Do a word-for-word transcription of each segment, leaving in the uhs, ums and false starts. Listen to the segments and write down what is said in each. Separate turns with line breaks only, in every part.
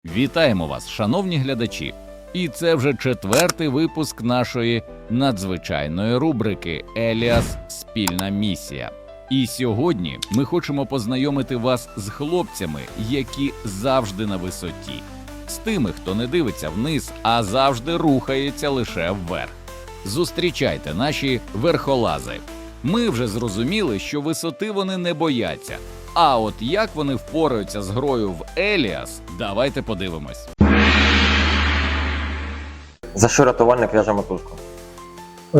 Вітаємо вас, шановні глядачі! І це вже четвертий випуск нашої надзвичайної рубрики «Еліас. Спільна місія». І сьогодні ми хочемо познайомити вас з хлопцями, які завжди на висоті. З тими, хто не дивиться вниз, а завжди рухається лише вверх. Зустрічайте наші верхолази. Ми вже зрозуміли, що висоти вони не бояться. А от як вони впораються з грою в Еліас, давайте подивимось.
За що рятувальник в'яже мотузку?
Е,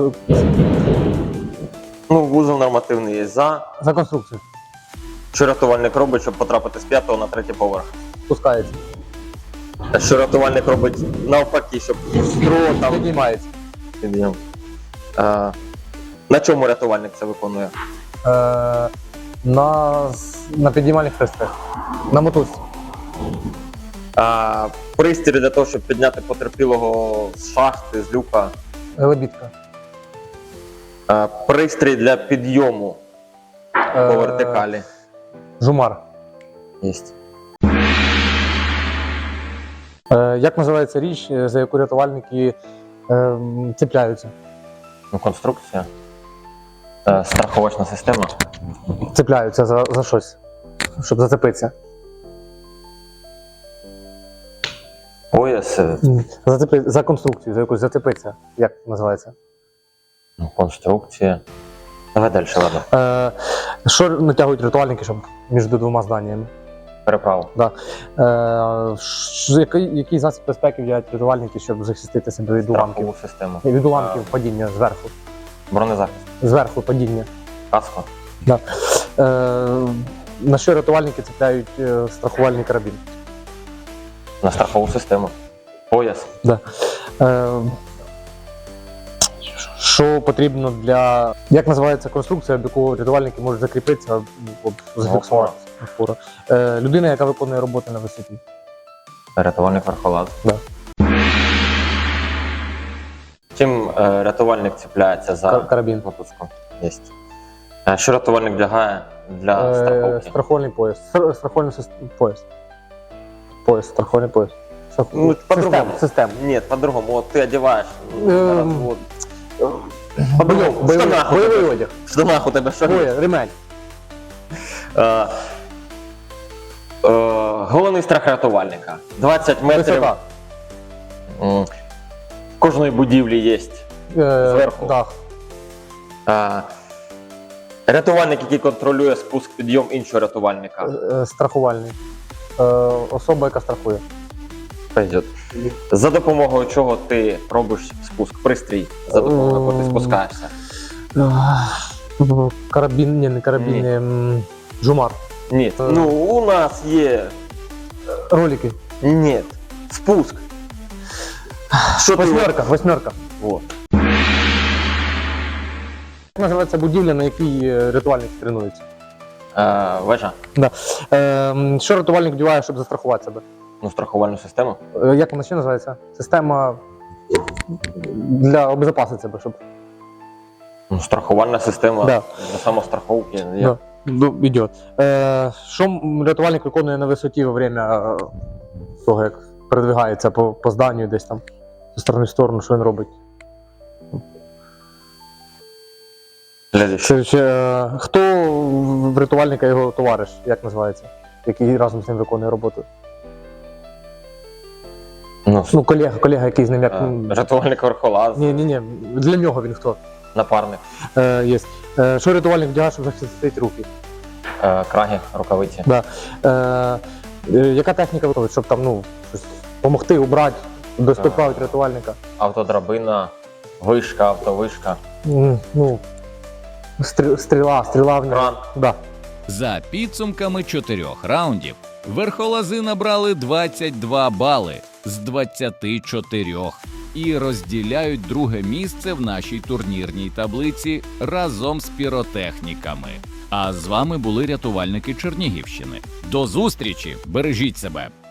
Ну, вузол нормативний є за.
За конструкцію.
Що рятувальник робить, щоб потрапити з п'ятого на третій поверх?
Спускається.
Що рятувальник робить навпаки, щоб строго там
Піднімається.
підйом. А, на чому рятувальник це виконує?
Е, на, на піднімальних хрестах. На мотузці.
А, пристрій для того, щоб підняти потерпілого з шахти, з люка.
Лебідка.
А, пристрій для підйому по
Е,
вертикалі.
Жумар.
Єсть.
Е, як називається річ, за яку рятувальники е, цепляються?
Ну, конструкція. Е, страховочна система.
Цепляються за, за щось, щоб зацепитися.
Пояс. е,
Зацепи, за конструкцію, за якусь зацепитися. Як називається?
Ну, конструкція. Давай далі, ладно.
Е, що натягують рятувальники, щоб між двома зданнями?
Переправу.
Да. Е, ш- який, який засіб безпеки вдягають рятувальники, щоб захистити себе від уламків?
Страхову систему.
Від уламків падіння зверху.
Бронезахист.
Зверху падіння.
Каско.
Да. Е, на що рятувальники цепляють е, страхувальний карабін?
На страхову систему. Пояс.
Да. Е, що потрібно для. Як називається конструкція, до якої рятувальники можуть закріпитися, щоб зафіксувати? Опора. Е, людина, яка виконує роботи на висоті.
Рятувальник верхолаз.
Да.
Чим е, рятувальник цепляється за
Кар- карабін.
мотузку? Єсть. Е, що рятувальник вдягає для
Е,
страховки?
страховальний пояс. Стр- Страховальний сис- пояс. Пояс, страховальний пояс. Страх-
Ну, по-другому.
Система. Система.
Ні, по-другому. От ти одягаєш.
Ем,
зараз, от. По-другому. В
Бойовий,
штанах у
бойовий
тебе.
одяг.
В штанах у тебе що?
Боя, ремень.
Е, е, головний страх рятувальника. двадцять метрів.
Висота.
М, В кожної будівлі є.
Е,
Зверху.
Дах.
Е, рятувальник, який контролює спуск підйом іншого рятувальника.
Е, Страхувальний. Е, Особа, яка страхує.
Пойдет. За допомогою чого ти робиш спуск? Пристрій, за допомогою якого ти спускаєшся.
Е, Карабін, ні, не карабін,
Ні.
ем, жумар.
Ні.
Е.
Ну, у нас є.
Ролики.
Ні. Спуск. Що ти?
Восьмерка, восьмерка.
Вот.
Як називається будівля, на якій е, рятувальники тренуються?
Е, вежа.
Да. Е, що рятувальник вдіває, щоб застрахувати себе?
Ну, страхувальну систему.
Е, Як вона ще називається? Система для обезопасити себе, щоб.
Ну, страхувальна система
Да.
для самостраховки. Є.
Да. Ну, ідет. Е, що м- рятувальник виконує на висоті во время е, того, як передвигається по, по зданню десь там зі сторони в сторону, що він робить?
Следующий.
Чи, чи, е, хто в рятувальника його товариш, як називається? Який разом з ним виконує роботу?
Ну,
Ну, колега, колега, який з ним як.
е, рятувальник верхолаз,
Ні, ні, ні. Для нього він хто?
напарник,
Е, є. Е, що рятувальник вдягає, щоб захистити руки?
е, краги, рукавиці.
Да. Е, е, яка техніка виконує, щоб там, ну, щось допомогти, убрати, доставити рятувальника?
Автодрабина, вишка, автовишка,
М, Ну, стрі- стріла, стріла в нього.
кран.
Да.
За підсумками чотирьох раундів верхолази набрали двадцять два бали з двадцяти чотирьох і розділяють друге місце в нашій турнірній таблиці разом з піротехніками. А з вами були рятувальники Чернігівщини. До зустрічі! Бережіть себе!